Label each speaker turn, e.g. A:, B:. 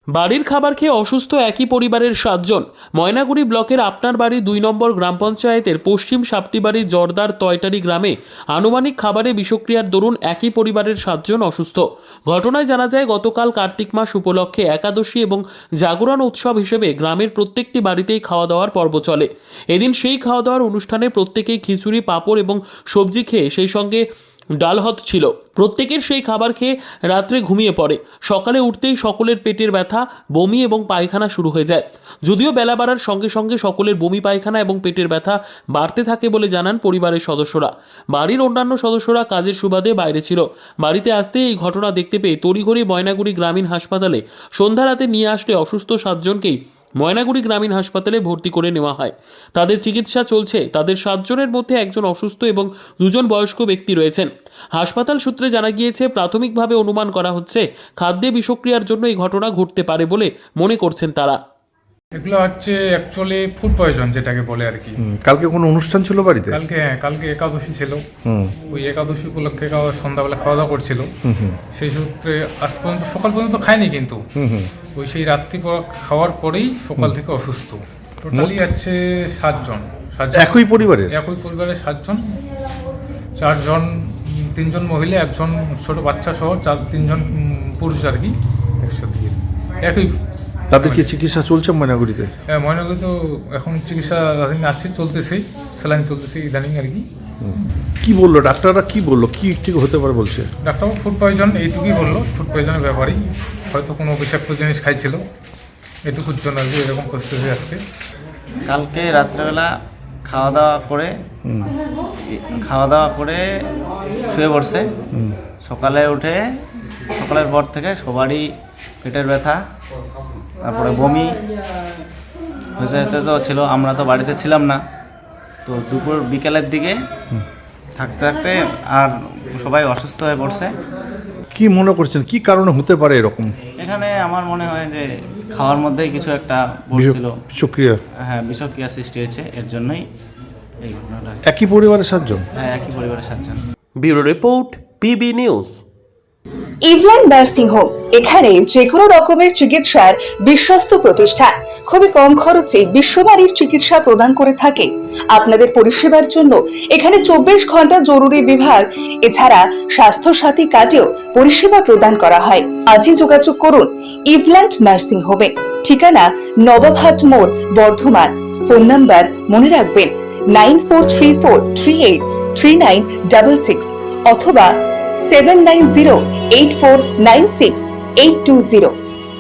A: বাড়ির খাবার খেয়ে অসুস্থ একই পরিবারের 7 জন। ময়নাগুড়ি ব্লকের আপনার বাড়ি 2 নম্বর গ্রাম পঞ্চায়েতের পশ্চিম সাপটিবাড়ি জর্দার তয়টারি গ্রামে আনুমানিক খাবারে বিষক্রিয়ার দরুন একই পরিবারের 7 জন অসুস্থ। ঘটনায় জানা যায় গতকাল কার্তিক মাস উপলক্ষে একাদশী এবং জাগরণ উৎসব হিসেবে গ্রামের প্রত্যেকটি বাড়িতেই খাওয়া দাওয়ার পর্ব চলে। এদিন সেই খাওয়া দাওয়ার অনুষ্ঠানে প্রত্যেকেই খিচুড়ি, পাঁপড় এবং সবজি খেয়ে সেই সঙ্গে ডাল ভাত ছিল। প্রত্যেকের সেই খাবার খেয়ে রাত্রে ঘুমিয়ে পড়ে। সকালে উঠতেই সকলের পেটের ব্যথা, বমি এবং পায়খানা শুরু হয়ে যায়। যদিও বেলা বাড়ার সঙ্গে সঙ্গে সকলের বমি, পায়খানা এবং পেটের ব্যথা বাড়তে থাকে বলে জানান পরিবারের সদস্যরা। বাড়ির অন্যান্য সদস্যরা কাজের সুবাদে বাইরে ছিল। বাড়িতে আসতেই এই ঘটনা দেখতে পেয়ে তড়িঘড়ি ময়নাগুড়ি গ্রামীণ হাসপাতালে সন্ধ্যা রাতে নিয়ে আসলে অসুস্থ 7 জনকেই ময়নাগুড়ি গ্রামীণ হাসপাতালে ভর্তি করে নেওয়া হয়। তাদের চিকিৎসা চলছে। তাদের 7 জনের মধ্যে একজন অসুস্থ এবং 2 জন বয়স্ক ব্যক্তি রয়েছেন। হাসপাতাল সূত্রে জানা গিয়েছে, প্রাথমিকভাবে অনুমান করা হচ্ছে খাদ্যে বিষক্রিয়ার জন্য এই ঘটনা ঘটতে পারে বলে মনে করছেন তারা।
B: এগুলো হচ্ছে অ্যাকচুয়ালি ফুড পয়জন যেটাকে বলে আর কি।
C: কালকে কোনো অনুষ্ঠান ছিল বাড়িতে?
B: কালকে একাদশী ছিল। ওই একাদশী উপলক্ষে সন্ধ্যাবেলা খাওয়া দাওয়া করছিল। সেই সূত্রে আজ পর্যন্ত সকাল পর্যন্ত খায়নি, কিন্তু ওই সেই রাত্রি খাওয়ার পরেই সকাল থেকে অসুস্থ। টোটালি আছে 7 জন।
C: একই পরিবারের
B: 7 জন। 4 জন, 3 জন মহিলা, 1 জন ছোট বাচ্চা সহ 3 জন পুরুষ আর কি একসাথে। একই।
C: তাদের কি চিকিৎসা চলছে ময়নাগুড়িতে?
B: হ্যাঁ, ময়নাগুড়ি তো এখন চিকিৎসা আছে, চলতেছে, স্যালাইন চলতেছে ইদানিং আর কি।
C: কি বললো ডাক্তাররা? কি বললো, কি ঠিক হতে পারে বলছে?
B: ডাক্তারবাবু ফুড পয়জন এইটুকুই বললো, ফুড পয়জনের ব্যাপারেই হয়তো কোনো বিষাক্ত জিনিস খাইছিল, এটুকুর জন্য আর কি এরকম পরিস্থিতি আজকে।
D: কালকে রাত্রেবেলা খাওয়া দাওয়া করে শুয়ে পড়ছে। সকালে উঠে সকালের পর থেকে সবারই পেটের ব্যথা, তারপরে বমি হতে হতে তো ছিল। আমরা তো বাড়িতে ছিলাম না, তো বিকেলের দিকে থাকতে থাকতে আর সবাই অসুস্থ হয়ে পড়ছে।
C: কি মনে করছেন কি কারণে হতে পারে এরকম?
D: এখানে আমার মনে হয় যে খাওয়ার মধ্যেই কিছু একটা বসছিল।
C: বিষক্রিয়া?
D: হ্যাঁ, বিষক্রিয়া সৃষ্টি হয়েছে, এর জন্যই এই ঘটনাটা।
C: একই পরিবারের 7 জন?
D: হ্যাঁ, একই পরিবারের 7 জন।
A: Bureau report, PB news.
E: Evland nursing home, এখানে যে কোনো রকমের চিকিৎসার বিশ্বস্ত প্রতিষ্ঠান। খুবই কম খরচে বিশ্বমানের চিকিৎসা প্রদান করে থাকে। আপনাদের পরিষেবার জন্য এখানে 24 ঘন্টা জরুরি বিভাগ, এছাড়া স্বাস্থ্য সাথী কার্ডেও পরিষেবা প্রদান করা হয়। আজই যোগাযোগ করুন ইভল্যান্ড নার্সিং হোমে। ঠিকানা নবাবহাট মোড়, বর্ধমান। ফোন নাম্বার মনে রাখবেন 9434383966 অথবা 7908496820।